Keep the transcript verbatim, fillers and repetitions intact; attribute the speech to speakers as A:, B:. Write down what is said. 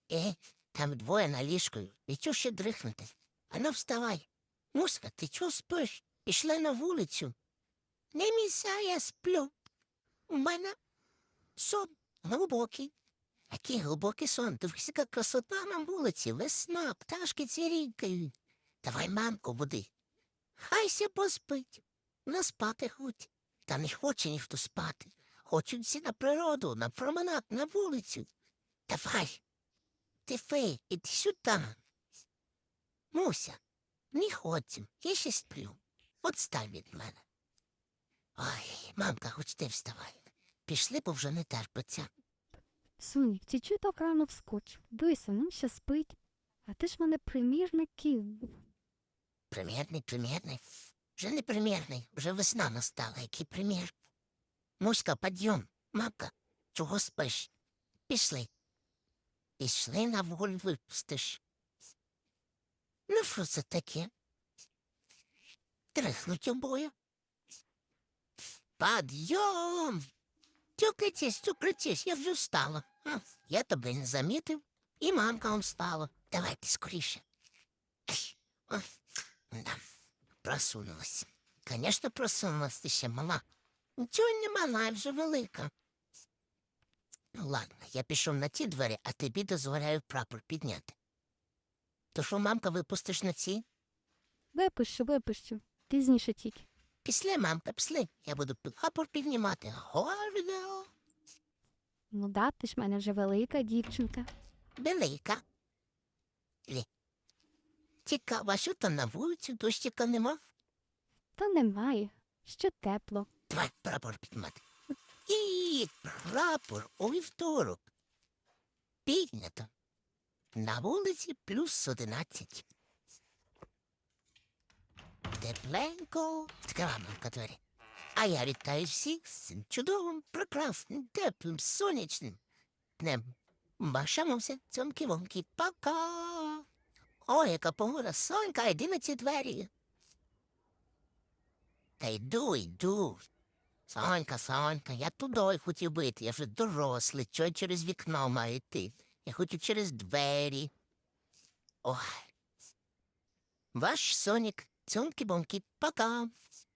A: Е, там двоє на ліжку. І чого ще дрихнути? Ану, вставай. Муська, ти чого спиш? Пішли на вулицю. Не міся, я сплю. У мене сон глибокий. Який глибокий сон? Дивися, яка красота на вулиці. Весна, пташки цвірінькають. Давай мамку буди. Хайся поспить. На спати хоть. Та не хоче ніхто спати. Хочуть всі на природу, на променад, на вулицю. Давай. Ти фей, іди сюди. Муся, не ходім, я ще сплю. Отстань від мене. Ой, мамка, хоч ти вставай. Пішли, бо вже не терпиться.
B: Сонік, ти чого так рано вскочив? Дивися, нам ще спить. А ти ж мене примірників.
A: Примірний, примірний. Вже не примірний, вже весна настала, який примір. Муська, підйом. Мамка, чого спиш? Пішли. Пішли на волю випустиш. Ну, що це таке? Трихнуть обоє. Підйом! Тюкайтесь, тюкайтесь, я вже встала. А, я тебе не замітив, і мамка он встала. Давайте скоріше. Ай, о, да, просунулась. Конечно, просунулась, ти ще мала. Нічого не мала, я вже велика. Ну, ладно, я пішов на ті двері, а тобі дозволяю прапор підняти. То що, мамка, випустиш на ці?
B: Випущу, випущу. Пізніше тільки.
A: Після, мамка, після. Я буду прапор піднімати. Гордо.
B: Ну да, ти ж в мене вже велика дівчинка.
A: Велика. Лі. Цікаво, а що там на вулиці? Дощика нема?
B: Та немає. Ще тепло.
A: Давай прапор піднімати. І прапор у вівторок. Піднято. На вулиці плюс одинадцять. Тепленько. Відкрила мамка двері. А я вітаю всіх з цим чудовим, прекрасним, теплим, сонячним днем. Башамося, цьомки-вомки, пока. Ой, яка погода, сонька, йди на ці двері. Та йду, йду. Сонька, Сонька, я туди хотів би йти, я вже дорослий, чого я через вікно маю йти? Я хочу через двері. Ой. Ваш Сонік, цьомки-бомки, пока.